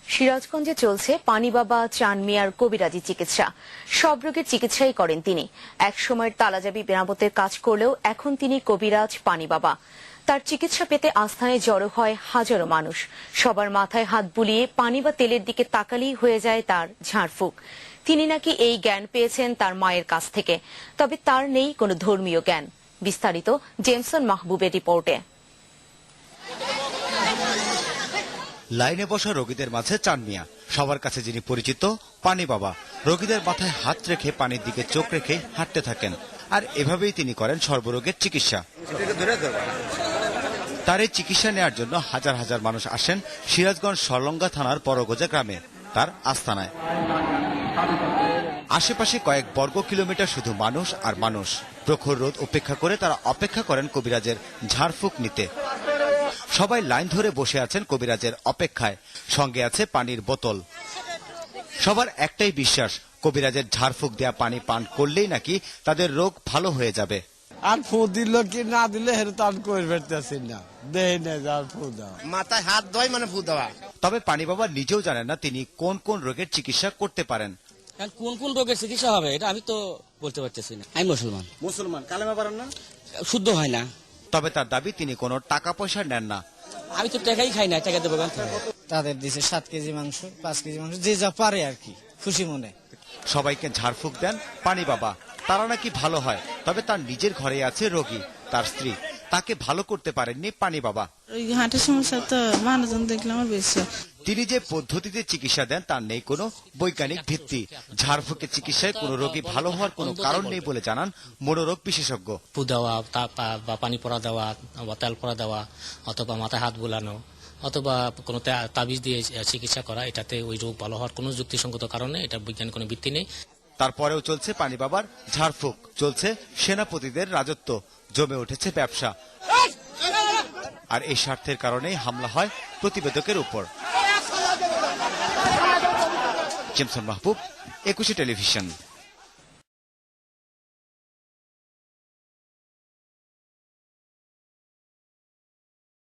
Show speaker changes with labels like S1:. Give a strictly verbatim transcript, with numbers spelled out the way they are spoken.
S1: সিরাজগঞ্জে চলছে পানি বাবা চান মিয়ার কবিরাজি চিকিৎসা। সব রোগের চিকিৎসাই করেন তিনি। এক সময়ের তালাজাবি মেরামতের কাজ করলেও এখন তিনি কবিরাজ পানি বাবা। তার চিকিৎসা পেতে আস্থানে জড়ো হয় হাজারো মানুষ। সবার মাথায় হাত বুলিয়ে পানি বা তেলের দিকে তাকালেই হয়ে যায় তার ঝাড়ফুঁক। তিনি নাকি এই জ্ঞান পেয়েছেন তার মায়ের কাছ থেকে, তবে তার নেই কোনো ধর্মীয় জ্ঞান। বিস্তারিত জেমসন মাহবুবের রিপোর্টে।
S2: লাইনে বসা রোগীদের মাঝে চান মিয়া, সবার কাছে যিনি পরিচিত পানি বাবা। রোগীদের মাথায় হাত রেখে পানির দিকে চোখ রেখে হাঁটতে থাকেন, আর এভাবেই তিনি করেন সর্বরোগের চিকিৎসা। তার এই চিকিৎসা নেওয়ার জন্য হাজার হাজার মানুষ আসেন সিরাজগঞ্জ সরলঙ্গা থানার বড়গোজা গ্রামে তার আস্তানায়। আশেপাশে কয়েক বর্গ কিলোমিটার শুধু মানুষ আর মানুষ। প্রখর রোদ উপেক্ষা করে তারা অপেক্ষা করেন কবিরাজের ঝাড়ফুঁক নিতে। সবাই লাইন ধরে বসে আছেন কবিরাজের অপেক্ষায়, সঙ্গে আছে পানির বোতল। সবার একটাই বিশ্বাস, কবিরাজের ঝাড়ফুঁক দেয়া পানি পান করলেই নাকি তাদের রোগ ভালো হয়ে যাবে।
S3: আর ফু দিল কি না দিলে হেরে তো আমি কই বেরতেছি না, দেই না যার ফু দাও,
S4: মাথায় হাত ধোয় মানে ফু দেওয়া।
S2: তবে পানি বাবা নিজেও জানেন না তিনি কোন কোন রোগের চিকিৎসা করতে পারেন।
S5: কোন কোন রোগের চিকিৎসা হবে এটা আমি তো বলতে পারতেছি না। আমি মুসলমান।
S4: মুসলমান কালেমা পারেন না?
S5: শুদ্ধ হয় না।
S2: তবে তার দাবি তিনি কোনো টাকা পয়সা নেন না।
S5: আমি তো টাকাই খাই না, টাকা দেবো।
S6: তাদের দিছে সাত কেজি মাংস, পাঁচ কেজি মাংস, যে যা পারে আর কি, খুশি মনে।
S2: সবাইকে ঝাড়ফুঁক দেন পানি বাবা, তারা নাকি ভালো হয়। তবে তার নিজের ঘরে আছে রোগী, তার স্ত্রী, তাকে ভালো করতে পারেননি পানি বাবা।
S7: ওই হাঁটের সমস্যা তো মানুষজন দেখলে আমার বেশি।
S2: তিনি যে পদ্ধতিতে চিকিৎসা দেন তার নেই কোনো বৈজ্ঞানিক ভিত্তি। ঝাড়ফুঁকের চিকিৎসায় কোনো রোগী ভালো হওয়ার কোনো কারণ নেই বলে জানান মনোরোগ বিশেষজ্ঞ।
S5: ফু দেওয়া বা পানি পড়া দেওয়া বা তেল পড়া দেওয়া অথবা মাথায় হাত বুলানো অথবা কোনো তাবিজ দিয়ে চিকিৎসা করা, এটাতে ওই রোগ ভালো হওয়ার কোনো যুক্তিসঙ্গত কারণে এটা বৈজ্ঞানিক কোনো ভিত্তি নেই।
S2: তারপরেও চলছে পানি বাবার ঝাড়ফুঁক, চলছে সেনাপতিদের রাজত্ব, জমে উঠেছে ব্যবসা। আর এই স্বার্থের কারণেই হামলা হয় প্রতিবেদকের উপর। জেমসন মাহবুব, একুশে টেলিভিশন।